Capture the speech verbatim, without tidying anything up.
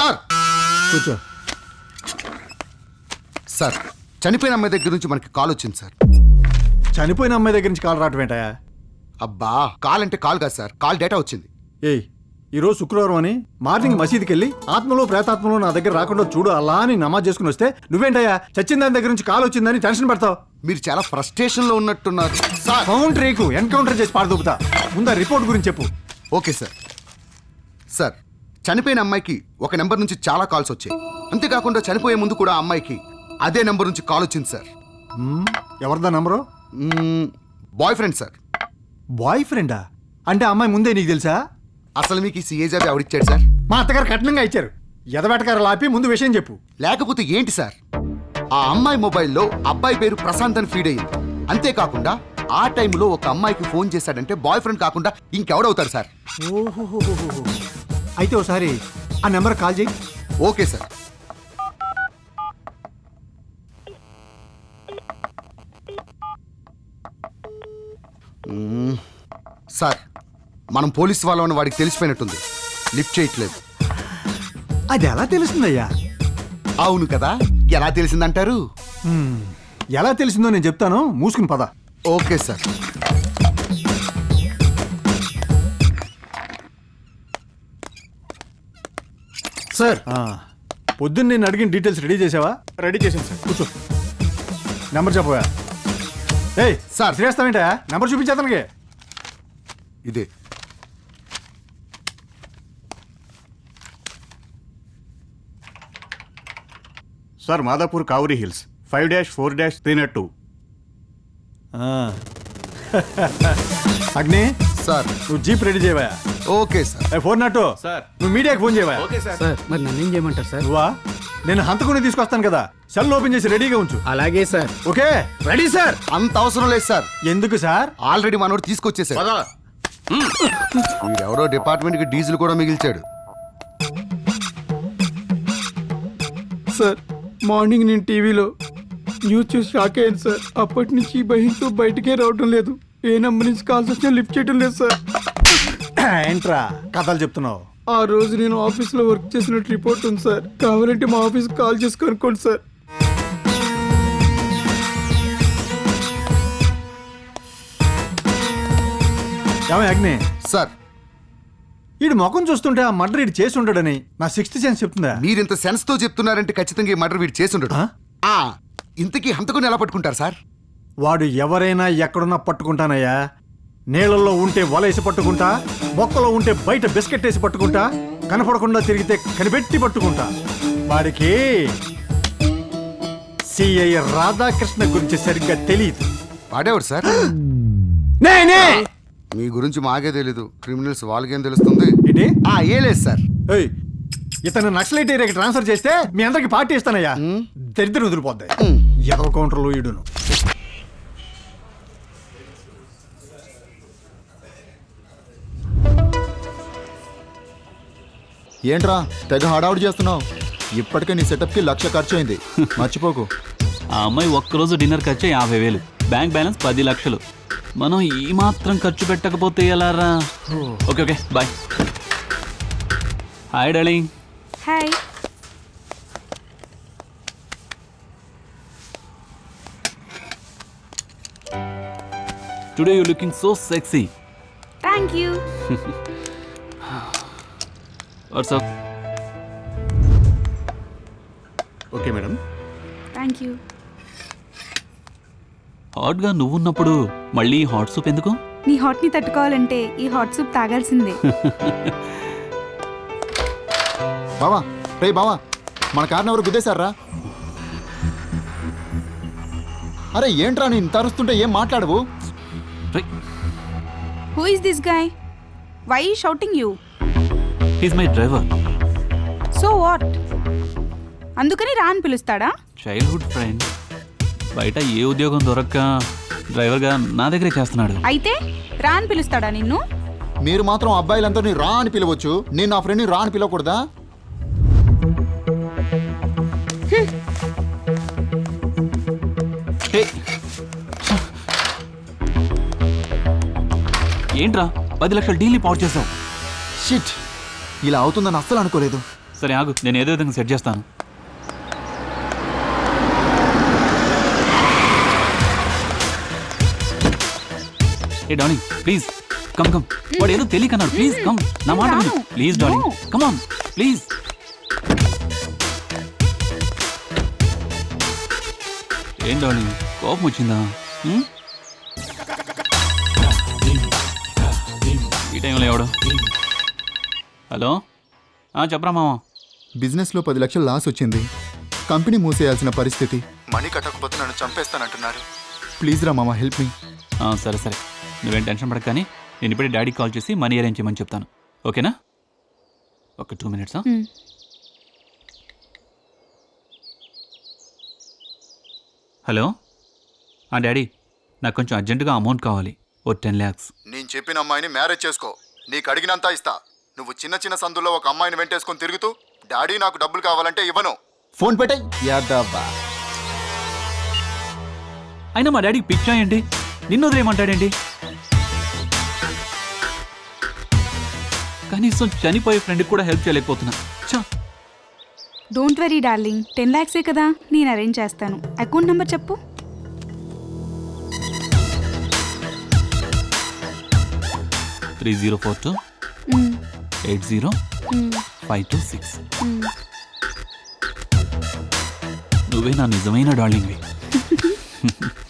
Sir కూర్చో. Sir చనిపోయిన అమ్మాయి దగ్గర నుంచి మనకి కాల్ వచ్చింది సార్. చనిపోయిన అమ్మాయి దగ్గర నుంచి కాల్ రావటం ఏంటయా? అబ్బా కాల్ అంటే కాల్ కాదు సార్, కాల్ డేటా వచ్చింది. ఏయ్, ఈరోజు శుక్రవారం అని మార్నింగ్ మసీదుకి వెళ్ళి ఆత్మలో ప్రేతాత్మలో నా దగ్గర రాకుండా చూడు అలా అని నమాజ్ చేసుకుని వస్తే నువ్వేంటయ్యా చచ్చిన దాని దగ్గర నుంచి కాల్ వచ్చిందని టెన్షన్ పడతావు? మీరు చాలా ఫ్రస్ట్రేషన్ లో ఉన్నట్టున్నారు సార్. కౌంటర్ రేకు ఎన్కౌంటర్ చేసి పారదూపుతా. ముందు రిపోర్ట్ గురించి చెప్పు. Okay sir. సార్ చనిపోయిన అమ్మాయికి ఒక నెంబర్ నుంచి చాలా కాల్స్ వచ్చాయి. అంతేకాకుండా చనిపోయే ముందు కూడా ఆ అమ్మాయికి అదే నెంబర్ నుంచి కాల్ వచ్చింది సార్. మ్మ్, ఎవరిదా నెంబరు? Boyfriend sir. బాయ్ ఫ్రెండా? అంటే అమ్మాయి ముందే నీకు తెలుసా? అసలు మీకు ఈ సీఏ జాబ్ ఎవరిచ్చాడు సార్? మా అత్తగారు కఠినంగా ఇచ్చారు. ఎదబెటకారు లాపి ముందు విషయం చెప్పు. లేకపోతే ఏంటి సార్, ఆ అమ్మాయి మొబైల్లో అబ్బాయి పేరు ప్రశాంత్ అని ఫీడ్ అయ్యింది. అంతేకాకుండా ఆ టైంలో ఒక అమ్మాయికి ఫోన్ చేశాడంటే బాయ్ ఫ్రెండ్ కాకుండా ఇంకెవడవుతారు సార్? ఓహోహోహోహో. అయితే ఒకసారి ఆ నెంబర్ కాల్ చేయి. Okay sir. మ్మ్. సార్ మనం పోలీస్ వాళ్ళని వాడికి తెలిసిపోయినట్టుంది, లిఫ్ట్ చేయట్లేదు. అది ఎలా తెలుస్తుందయ్యా? అవును కదా, ఎలా తెలిసిందంటారు? హ్మ్, ఎలా తెలిసిందో నేను చెప్తాను, మూసుకుని పద. Okay sir. సార్ పొద్దున్న నేను అడిగిన డీటెయిల్స్ రెడీ చేసావా? రెడీ చేశాను సార్. కూర్చో. నెంబర్ చెప్పవా? ఏయ్ సార్. శ్రేస్తావేంటా? నెంబర్ చూపించేతనకి. ఇదే. Sir Madhapur Kavuri hills five dash four dash three nought two. అగ్ని సార్. నువ్వు జీప్ రెడీ చేయవా? Okay sir. Four nought sir. నువ్వు మీడియాకి ఫోన్ చేయవా? Okay sir. సార్ మరి నన్ను ఏం చేయమంటారు సార్? నువ్వా? నేను హంతకుని తీసుకొస్తాను కదా, సెల్ ఓపెన్ చేసి రెడీగా ఉంచు. అలాగే సార్. Okay ready sir. అంత అవసరం లేదు సార్, ఎందుకు సార్? ఆల్రెడీ మనోడు తీసుకొచ్చేసాడు. వీడెవడో డిపార్ట్మెంట్ కి డీజిల్ కూడా మిగిల్చాడు. సార్ మార్నింగ్ నేను టీవీలో న్యూస్ చూసి షాక్ అయ్యాను సార్. అప్పటి నుంచి ఈ భయంతో బయటకే రావడం లేదు. ఏ నెంబర్ నుంచి కాల్స్ వచ్చినా లిఫ్ట్ చేయడం లేదు సార్. ఏంట్రా కథలు చెప్తున్నావు? ఆ రోజు నేను ఆఫీస్లో వర్క్ చేసినట్టు రిపోర్ట్ ఉంది సార్. కావాలంటే మా ఆఫీస్కి కాల్ చేసి కనుక్కోండి సార్. ఏమయ్య అగ్ని, సార్ వీడి ముఖం చూస్తుంటే ఆ మర్డర్ వీడు చేసి ఉంటాడని నా సిక్స్త్ సెన్స్ చెప్తుందా? మీరింత సెన్స్ తో చెప్తున్నారంటే ఖచ్చితంగా ఈ మర్డర్ వీడు చేసి ఉండడు. ఆ? ఆ, ఇంతకీ హంతకుని ఎలా పట్టుకుంటారు సార్? వాడు ఎవరైనా ఎక్కడున్నా పట్టుకుంటానయ్యా. నీళ్ళల్లో ఉంటే వలేసి పట్టుకుంటా, మొక్కలో ఉంటే బయట బిస్కెట్ వేసి పట్టుకుంటా, కనపడకుండా తిరిగితే కనిపెట్టి పట్టుకుంటా. వాడికి సిఐ రాధాకృష్ణ గురించి సరిగ్గా తెలియదు. వాడేవాడు సార్? నేనే. మీ గురించి మాకే తెలీదు, క్రిమినల్స్ వాళ్ళకేం తెలుస్తుంది? ఏంటి? ఆ, ఏ లేదు సార్. ఏయ్, ఇతను నక్సలైట్ ఏరియాకి ట్రాన్స్ఫర్ చేస్తే మీ అందరికి పార్టీ ఇస్తానయ్యా. దరిద్రం వదిలిపోద్ది. ఎదవ కౌంటర్లు ఈడును. ఏంట్రా తెగ హడావుడి చేస్తున్నావు? ఇప్పటికే నీ సెటప్కి లక్ష ఖర్చు అయింది, మర్చిపోకు. ఆ అమ్మాయి ఒక్కరోజు డిన్నర్ ఖర్చు యాభై వేలు, బ్యాంక్ బ్యాలెన్స్ పది లక్షలు. మనం ఈ మాత్రం ఖర్చు పెట్టకపోతే ఎలారా? Okay okay bye. Hi darling. Hi. Today you looking so sexy. Thank you. What's up? Okay madam. Thank you. హాట్గా నువ్వున్నప్పుడు మళ్ళీ హాట్ సూప్ ఎందుకు? నీ హాట్ ని తట్టుకోవాలంటే ఈ హాట్ సూప్ తాగాల్సిందే. బావా, రే బావా, మన కార్ని ఎవరు గుద్దేశారా? అరే ఏంట్రా నేను ఇంత అరుస్తుంటే ఏం మాట్లాడవు? Who is this guy? Why he shouting you? He's my driver. So what? అందుకని రా అని పిలుస్తాడా? Childhood friend. బయట ఏ ఉద్యోగం దొరక్క డ్రైవర్గా నా దగ్గరే చేస్తున్నాడు. అయితే రా అని పిలుస్తాడా నిన్ను? మీరు మాత్రం అబ్బాయిలందరినీ రా అని పిలవచ్చు, నేను నా ఫ్రెండ్ని రా అని పిలవకూడదా? ఏంట్రా పది లక్షల డీల్ని పాడు చేసావు? షిట్, ఇలా అవుతుందని అస్సలు అనుకోలేదు. సరే ఆగు, నేను ఏదో విధంగా సెట్ చేస్తాను. ఏ డార్లింగ్ ప్లీజ్ కమ్ కమ్. వాడు ఏదో తెలియకన్నాడు, ప్లీజ్ కమ్. నా మాట విను please darling, come on please. ఏం డార్లింగ్ కోపం వచ్చిందా? హ్మ్? ఈ టైంలో ఎవడు? హలో చెప్పరా మామ. బిజినెస్లో పది లక్షలు లాస్ వచ్చింది. కంపెనీ మూసేయాల్సిన పరిస్థితి. మనీ కట్టకపోతే నన్ను చంపేస్తానంటున్నారు. ప్లీజ్ రా మామ, హెల్ప్ మీ. ఆ, సరే సరే నువ్వేం టెన్షన్ పడక, కానీ నేను ఇప్పుడే డాడీకి కాల్ చేసి మనీ అరేంజ్ చేయమని చెప్తాను, ఓకేనా? ఒక టూ మినిట్స్. మ్. హలో డాడీ, నాకు కొంచెం అర్జెంటుగా అమౌంట్ కావాలి, ఓ టెన్ ల్యాక్స్. నేను చెప్పిన అమ్మాయిని మ్యారేజ్ చేసుకో. నీకు అడిగినంత ఇస్తా. నువ్వు చిన్న చిన్న సందుల్లో ఒక అమ్మాయిని వెంటేసుకొని తిరుగుతూ డాడీ నాకు డబ్బులు కావాలంటే ఇవ్వను. ఫోన్ పెట్టాయి యాదవ్వా. అయినా మా డాడీకి పిచ్చా ఏంటి? నిన్ను వదిలేయమంటాడేంటి? కనీసం చనిపోయే ఫ్రెండ్కి కూడా హెల్ప్ చేయలేకపోతున్నా. చా డోంట్ వెరీ డార్లింగ్, టెన్ ల్యాక్సే కదా, నేను అరేంజ్ చేస్తాను. అకౌంట్ నెంబర్ చెప్పు. Three zero four two hmm, eight zero hmm, five two six. మ్. నువ్వే నా నిజమైన డార్లింగ్వి.